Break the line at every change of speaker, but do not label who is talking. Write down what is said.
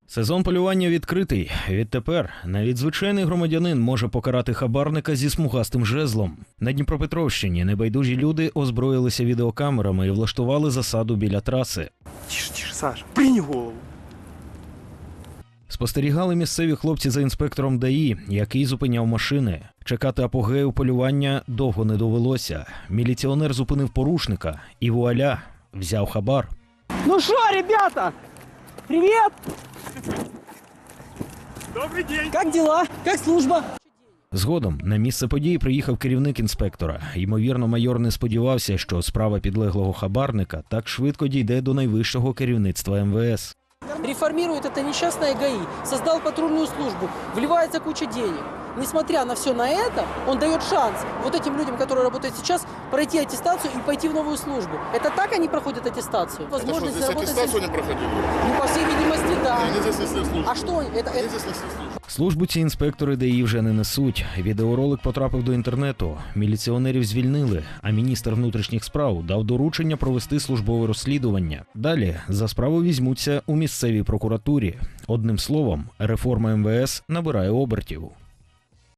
Сезон полювання відкритий. Відтепер навіть звичайний громадянин може покарати хабарника зі смугастим жезлом. На Дніпропетровщині небайдужі люди озброїлися відеокамерами і влаштували засаду біля траси.
Тише, Саша, прийни голову.
Спостерігали місцеві хлопці за інспектором ДАІ, який зупиняв машини. Чекати апогею полювання довго не довелося. Міліціонер зупинив порушника і вуаля, взяв хабар.
Ну что, ребята? Привет! Добрый день! Как дела? Как служба?
Згодом на місце події приїхав керівник інспектора. Ймовірно, майор не сподівався, що справа підлеглого хабарника так швидко дійде до найвищого керівництва МВС.
Реформирует это несчастное ГАИ, создал патрульную службу, вливается куча денег. Несмотря на все на это, он дает шанс вот этим людям, которые работают сейчас, пройти аттестацию и пойти в новую службу. Это так они проходят аттестацию?
Это что, здесь аттестацию не проходили?
Ну, по всей видимости, да.
Они здесь несли службу.
А что это?
Они здесь несли службу.
Службу ці інспектори ДАІ вже не несуть. Відеоролик потрапив до інтернету. Міліціонерів звільнили, а міністр внутрішніх справ дав доручення провести службове розслідування. Далі за справу візьмуться у місцевій прокуратурі. Одним словом, реформа МВС набирає обертів.